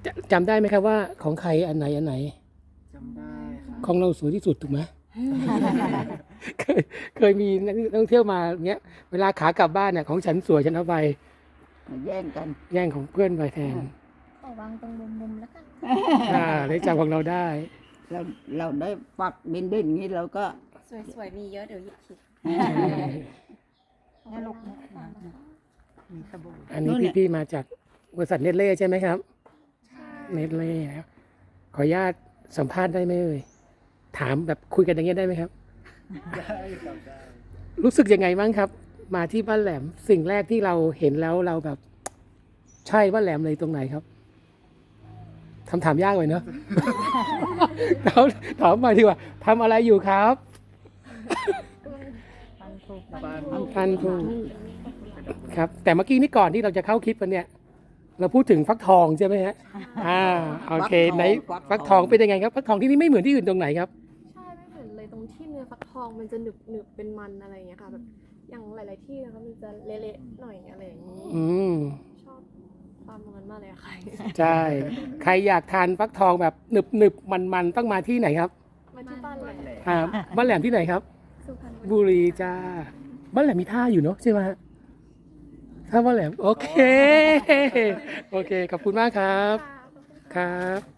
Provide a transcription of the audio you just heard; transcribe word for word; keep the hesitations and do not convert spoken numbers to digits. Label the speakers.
Speaker 1: จะจำได้ไหมครับว่าของใครอันไหนอันไหน
Speaker 2: จำได้ครับ
Speaker 1: ของเราสวยที่สุดถูกไหม เคยเคยมีนักท่องเที่ยวมาเงี้ยเวลาขากลับบ้านเนี่ยของฉันสวยฉันเอาไป
Speaker 3: แย่งกัน
Speaker 1: แย่งของเพื่อนไปแทน
Speaker 4: ขอวางตรงมุมๆแล้วกัน
Speaker 1: อ่าได้จำของเราได้
Speaker 3: เราเราได้ปักเด่นๆอย่างนี้เราก็
Speaker 4: สวยๆ มีเยอะเดี๋ยวหยิบผิด
Speaker 3: เนี่ยลูกเนี่ยมีสบู่
Speaker 1: อันนี้พี่ๆมาจากบริษัทเนตเล่ใช่ไหมครับเนตเล่นะครับขออนุญาตสัมภาษณ์ได้ไหมเอ่ยถามแบบคุยกันอย่างเงี้ยได้ไหมครับ
Speaker 2: ได้ครับได้
Speaker 1: รู้สึกยังไงบ้างครับ มาที่บ้านแหลมสิ่งแรกที่เราเห็นแล้วเราแบบ ใช่บ้านแหลมเลยตรงไหนครับคำถามยากเลยเนอะ ถามถามมาดีกว่าทำอะไรอยู่ครับ
Speaker 2: บ้าน
Speaker 1: พันธุ์ถูกครับ แต่เมื่อกี้นี่ก่อนที่เราจะเข้าคลิปกันเนี่ย เราพูดถึงฟักทองใช่ไหมฮะอ่าโอเคไหนฟักทองเป็นยังไงครับฟักทองที่นี่ไม่เหมือนที่อื่นตรงไหนครับ
Speaker 5: ใช่ไม่เหมือนเลยตรงที่เนื้อฟักทองมันจะหนึบหนึบเป็นมันอะไรอย่างเงี้ยค่ะแบบอย่างหลาย ๆ ที่นะคะมันจะเละๆหน่อยอะไรอย่างนี้
Speaker 1: อืม
Speaker 5: ชอบความตรงนั้นมากเลยอะค่ะ
Speaker 1: ใช่ใครอยากทานฟักทองแบบหนึบหนึบมันมันๆต้องมาที่ไหนครับ
Speaker 5: มาที่บ้านเลย
Speaker 1: อ่าบ้านแหลมที่ไหนครับ
Speaker 5: สุพรรณบุรี
Speaker 1: บุรีจ้าบ้านแหลมมีท่าอยู่เนอะใช่ไหมฮะท่าบ้านแหลมโอเค โอเค ขอบคุณมากครับ
Speaker 5: ค่ะขอบคุณค่ะ
Speaker 1: ครับ